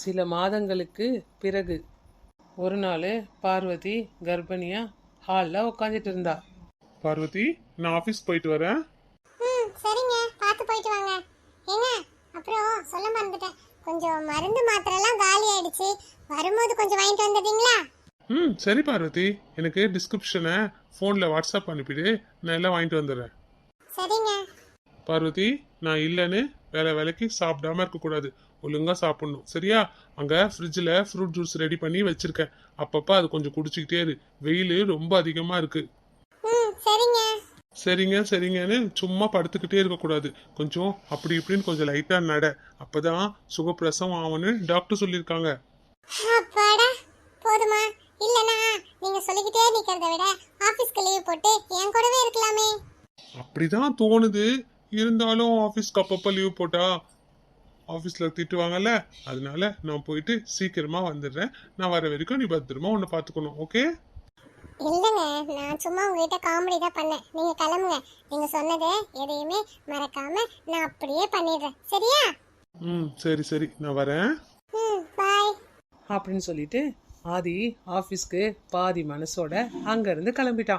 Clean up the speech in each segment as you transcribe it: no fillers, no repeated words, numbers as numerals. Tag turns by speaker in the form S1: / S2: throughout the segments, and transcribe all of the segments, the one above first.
S1: சில மாதங்களுக்கு பிறகு ஒரு நாள் பார்வதி கர்ப்பிணியா ஹாலில் உட்காந்துட்டு இருந்தா.
S2: பார்வதி, நான் ஆஃபீஸ் போயிட்டு வரேன்.
S3: சரிங்க, பார்த்து போயிட்டு வாங்க. ஏங்க, அப்புறம் சொல்ல மறந்துட்டேன், கொஞ்சம் மருந்து மாத்திரை எல்லாம் காலி ஆயிடுச்சு, வரும்போது கொஞ்சம் வாங்கிட்டு வந்துட்டீங்களா?
S2: சரி பார்வதி, எனக்கு டிஸ்கிரிப்ஷனை ஃபோனில் வாட்ஸ்அப் அனுப்பிடு, நான் எல்லாம் வாங்கிட்டு வந்துடுறேன்.
S3: சரிங்க.
S2: பார்வதி, நான் இல்லைன்னு வேலைக்கு சாப்பிடாம இருக்கக்கூடாது, ஒழுங்காக சாப்பிடணும், சரியா? அங்கே ஃப்ரிட்ஜில் ஃப்ரூட் ஜூஸ் ரெடி பண்ணி வச்சிருக்கேன், அப்பப்போ அது கொஞ்சம் குடிச்சிக்கிட்டே இரு, வெயில் ரொம்ப அதிகமாக இருக்கு.
S3: சரிங்க.
S2: சரிங்க சரிங்கன்னு சும்மா படுத்துக்கிட்டே இருக்கக்கூடாது, கொஞ்சம் அப்படி இப்படின்னு கொஞ்சம் லைட்டாக நட, அப்பதான் சுகப்பிரசவம் ஆகும்னு டாக்டர் சொல்லியிருக்காங்க.
S3: அப்பாடா, போதுமா? இல்லனா நீங்க சொல்லிக்கிட்டே நிக்கிறத விட ஆபீஸ்க்கு லீவ் போட்டு என் கூடவே இருக்கலாமே.
S2: அப்படிதான் தோணுது, இருந்தாலும் ஆஃபீஸ்க்கு அப்பப்போ லீவ் போட்டா ஆஃபீஸில் திட்டுவாங்கல்ல, அதனால நான் போயிட்டு சீக்கிரமா வந்துடுறேன். நான் வர வரைக்கும் நீ பத்திரமா உன்னை பார்த்துக்கணும், ஓகே?
S3: இல்லைங்க, நான் சும்மா உங்ககிட்ட காமெடி தான் பண்ணேன். நீங்க கிளம்புங்க, நீங்க சொன்னது எதையுமே மறக்காம நான் அப்படியே பண்ணிடுறேன், சரியா?
S2: சரி சரி, நான் வரேன்.
S3: பாய்
S1: அப்படின்னு சொல்லிட்டு ஆதி ஆஃபீஸ்க்கு பாதி மனசோட அங்கேருந்து கிளம்பிட்டான்.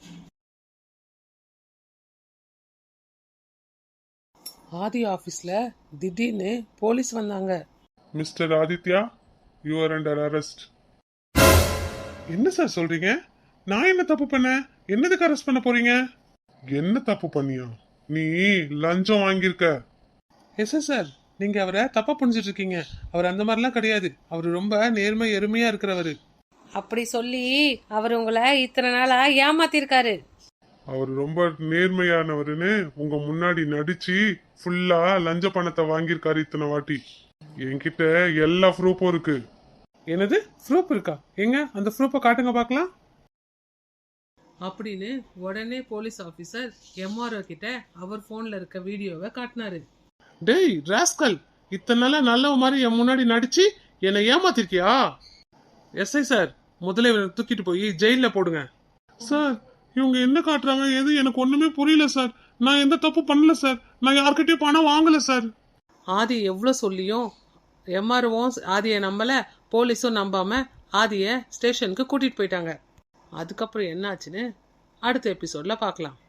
S1: ஆதி ஆஃபீஸில் திடீர்னு போலீஸ் வந்தாங்க.
S2: Mister Aditya, you are under arrest. என்ன சார் சொல்றீங்க? நான் என்ன தப்பு பண்ணேன்? என்னதுக்கு அரெஸ்ட் பண்ண போறீங்க? என்ன தப்பு பண்ணியா? நீ லஞ்சம் வாங்கியிருக்க.
S1: எஸ் சார், நீங்கள் அவரை தப்பாக புரிஞ்சிட்டு இருக்கீங்க. அவர் அந்த மாதிரிலாம் கிடையாது, அவர் ரொம்ப நேர்மை எருமையாக இருக்கிறவர்.
S4: அப்படி சொல்லி அவர் உங்களை இத்தனை நாளா ஏமாத்திருக்காரு.
S2: அவர் ரொம்ப நேர்மையானவருன்னு உங்க முன்னாடி நடிச்சு ஃபுல்லா லஞ்ச பணத்தை வாங்கியிருக்காரு இத்தனை வாட்டி. என்கிட்ட எல்லா ப்ரூஃபும் இருக்கு.
S1: என்னது, ப்ரூஃப் இருக்கா? எங்க அந்த ப்ரூஃபை காட்டுங்க பார்க்கலாம் அப்படின்னு உடனே போலீஸ் ஆஃபீஸர் எம்ஆர்ஓ கிட்ட அவர் ஃபோனில் இருக்க வீடியோவை காட்டினாரு.
S2: டேய் ராஸ்கல், இத்தனை நாளா நல்லவ மாதிரி என் முன்னாடி நடிச்சு என்னை ஏமாத்திருக்கியா?
S1: எஸ்ஐ சார், முதல்ல இவரை தூக்கிட்டு போய் ஜெயிலில் போடுங்க.
S2: சார், இவங்க என்ன காட்டுறாங்க எது எனக்கு ஒண்ணுமே புரியல சார். நான் எந்த தப்பு பண்ணல சார், நான் யார்கிட்டயும் பணம் வாங்கல சார்.
S1: ஆதி எவ்வளோ சொல்லியும் எம்ஆர்ஓவும் ஆதியை நம்பல, போலீஸும் நம்பாம ஆதியை ஸ்டேஷனுக்கு கூட்டிட்டு போயிட்டாங்க. அதுக்கப்புறம் என்னாச்சுன்னு அடுத்த எபிசோட்ல பார்க்கலாம்.